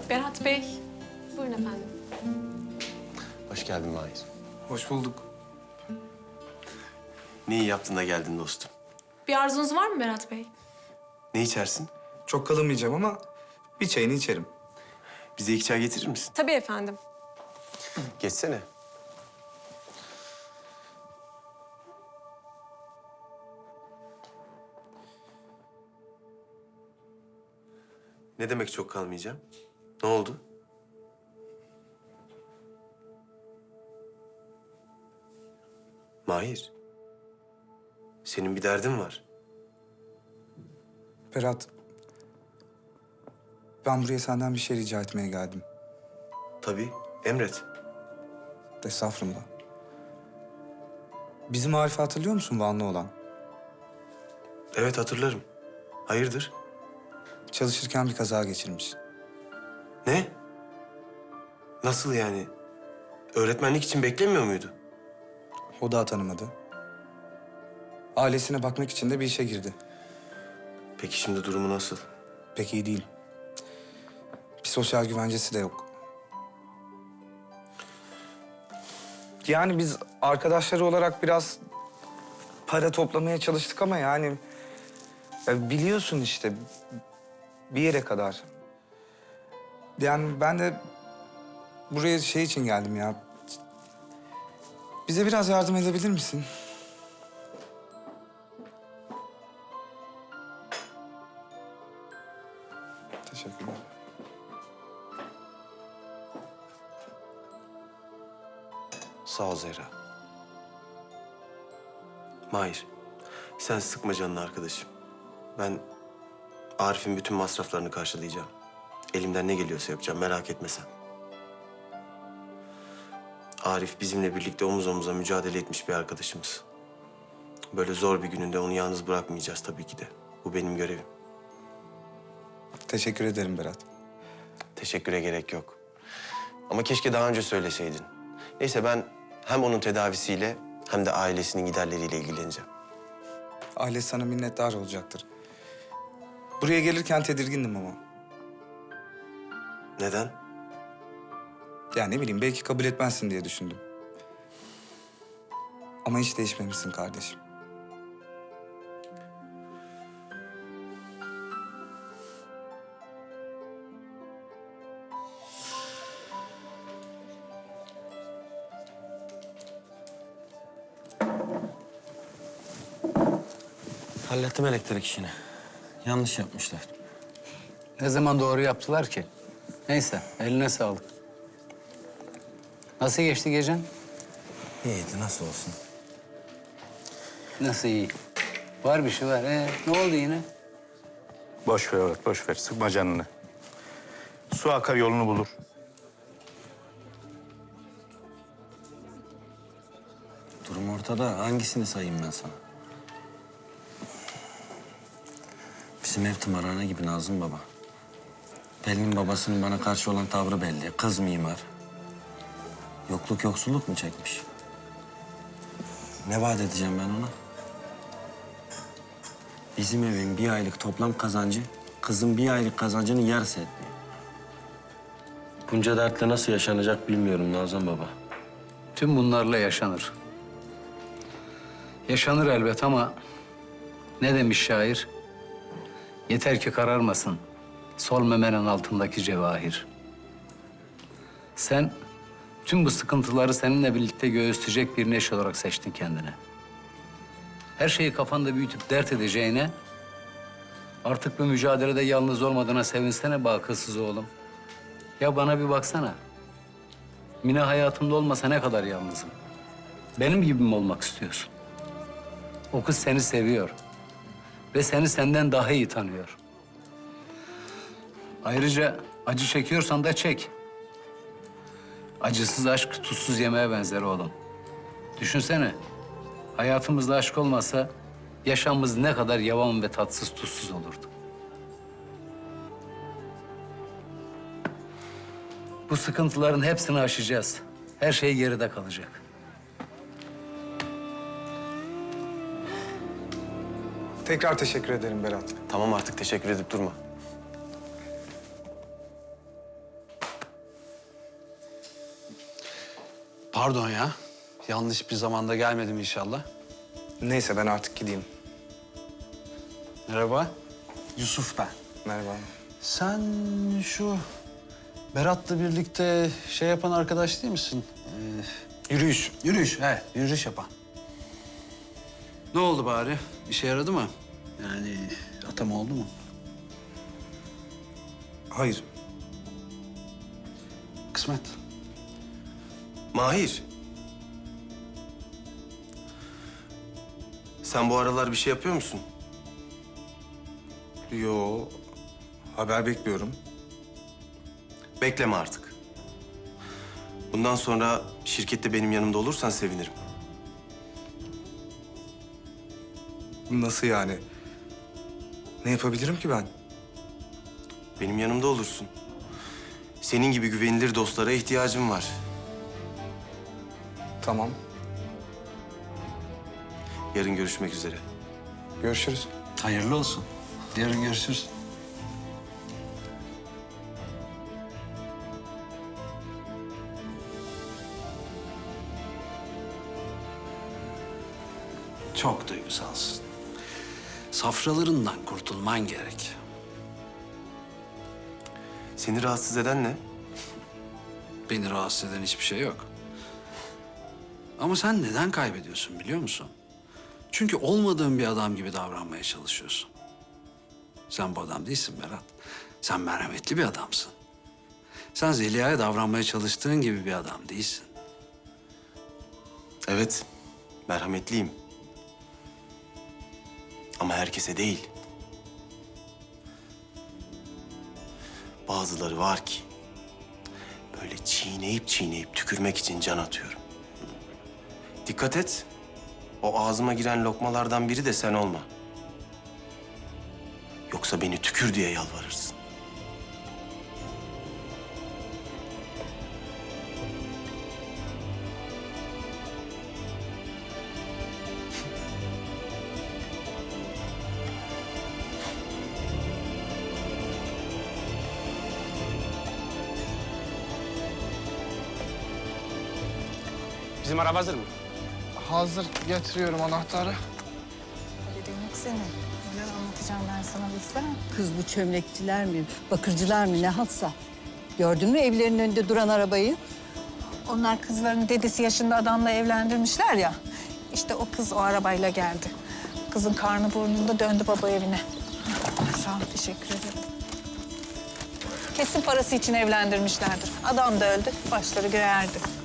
Berat Bey, buyurun efendim. Hoş geldin Mahir. Hoş bulduk. Ne iyi yaptın da geldin dostum. Bir arzunuz var mı Berat Bey? Ne içersin? Çok kalamayacağım ama bir çayını içerim. Bize 2 çay getirir misin? Tabii efendim. Geçsene. Ne demek çok kalmayacağım? Ne oldu? Mahir. Senin bir derdin var. Berat, ben buraya senden bir şey rica etmeye geldim. Tabii, emret. Estağfurullah. Bizim Arif'i hatırlıyor musun, Vanlı olan? Evet, hatırlarım. Hayırdır? Çalışırken bir kaza geçirmiş. Ne? Nasıl yani? Öğretmenlik için beklemiyor muydu? O da tanımadı. Ailesine bakmak için de bir işe girdi. Peki şimdi durumu nasıl? Pek iyi değil. Bir sosyal güvencesi de yok. Yani biz arkadaşları olarak biraz para toplamaya çalıştık ama yani... biliyorsun işte bir yere kadar. Yani ben de buraya şey için geldim ya. Bize biraz yardım edebilir misin? Teşekkürler. Sağ ol Zehra. Mahir, sen sıkma canını arkadaşım. Ben Arif'in bütün masraflarını karşılayacağım. Elimden ne geliyorsa yapacağım, merak etme sen. Arif bizimle birlikte omuz omuza mücadele etmiş bir arkadaşımız. Böyle zor bir gününde onu yalnız bırakmayacağız tabii ki de. Bu benim görevim. Teşekkür ederim Berat. Teşekküre gerek yok. Ama keşke daha önce söyleseydin. Neyse ben hem onun tedavisiyle hem de ailesinin giderleriyle ilgileneceğim. Aile sana minnettar olacaktır. Buraya gelirken tedirgindim ama. Neden? Ya ne bileyim belki kabul etmezsin diye düşündüm. Ama hiç değişmemişsin kardeşim. Hallettim elektrik işini. Yanlış yapmışlar. Ne zaman doğru yaptılar ki? Neyse, eline sağlık. Nasıl geçti gecen? İyiydi, nasıl olsun? Nasıl iyi? Var bir şey var. Ne oldu yine? Boş ver evet, boş ver. Sıkma canını. Su akar yolunu bulur. Durum ortada. Hangisini sayayım ben sana? Bizim ev tımarhane gibi Nazım Baba. Pelin'in babasının bana karşı olan tavrı belli. Kız mimar. Yokluk yoksulluk mu çekmiş? Ne vaat edeceğim ben ona? Bizim evin bir aylık toplam kazancı, kızın bir aylık kazancının yarısı etmiyor. Bunca dertle nasıl yaşanacak bilmiyorum Nazım Baba. Tüm bunlarla yaşanır. Yaşanır elbet ama ne demiş şair? Yeter ki kararmasın sol memenin altındaki cevahir. Sen tüm bu sıkıntıları seninle birlikte göğüsleyecek bir neşe olarak seçtin kendine. Her şeyi kafanda büyütüp dert edeceğine artık bu mücadelede yalnız olmadığına sevinsene be akılsız oğlum. Ya bana bir baksana. Mine hayatımda olmasa ne kadar yalnızım. Benim gibi mi olmak istiyorsun? O kız seni seviyor. Ve seni senden daha iyi tanıyor. Ayrıca acı çekiyorsan da çek. Acısız aşk tuzsuz yemeğe benzer oğlum. Düşünsene, hayatımızda aşk olmasa yaşamımız ne kadar yavan ve tatsız tuzsuz olurdu. Bu sıkıntıların hepsini aşacağız. Her şey geride kalacak. Tekrar teşekkür ederim Berat. Tamam artık teşekkür edip durma. Pardon ya. Yanlış bir zamanda gelmedim inşallah. Neyse ben artık gideyim. Merhaba. Yusuf ben. Merhaba. Sen şu Berat'la birlikte şey yapan arkadaş değil misin? Yürüyüş. Yürüyüş, he. Yürüyüş yapan. Ne oldu bari? İşe yaradı mı? Yani atama oldu mu? Hayır. Kısmet. Mahir. Sen bu aralar bir şey yapıyor musun? Yo. Haber bekliyorum. Bekleme artık. Bundan sonra şirkette benim yanımda olursan sevinirim. Nasıl yani? Ne yapabilirim ki ben? Benim yanımda olursun. Senin gibi güvenilir dostlara ihtiyacım var. Tamam. Yarın görüşmek üzere. Görüşürüz. Hayırlı olsun. Yarın görüşürüz. Çok duygusalsın. Safralarından kurtulman gerek. Seni rahatsız eden ne? Beni rahatsız eden hiçbir şey yok. Ama sen neden kaybediyorsun biliyor musun? Çünkü olmadığın bir adam gibi davranmaya çalışıyorsun. Sen bu adam değilsin Berat. Sen merhametli bir adamsın. Sen Zeliha'ya davranmaya çalıştığın gibi bir adam değilsin. Evet, merhametliyim. Ama herkese değil. Bazıları var ki böyle çiğneyip çiğneyip tükürmek için can atıyorum. Dikkat et. O ağzıma giren lokmalardan biri de sen olma. Yoksa beni tükür diye yalvarırsın. Bizim araba hazır mı? Hazır, getiriyorum anahtarı. Demek seni. Neler anlatacağım ben sana bilsene. Kız bu çömlekçiler mi, bakırcılar mı ne haltsa. Gördün mü evlerinin önünde duran arabayı? Onlar kızlarını dedesi yaşında adamla evlendirmişler ya. İşte o kız o arabayla geldi. Kızın karnı burnunda döndü baba evine. Sağ ol, teşekkür ederim. Kesin parası için evlendirmişlerdir. Adam da öldü, başları göğe erdi.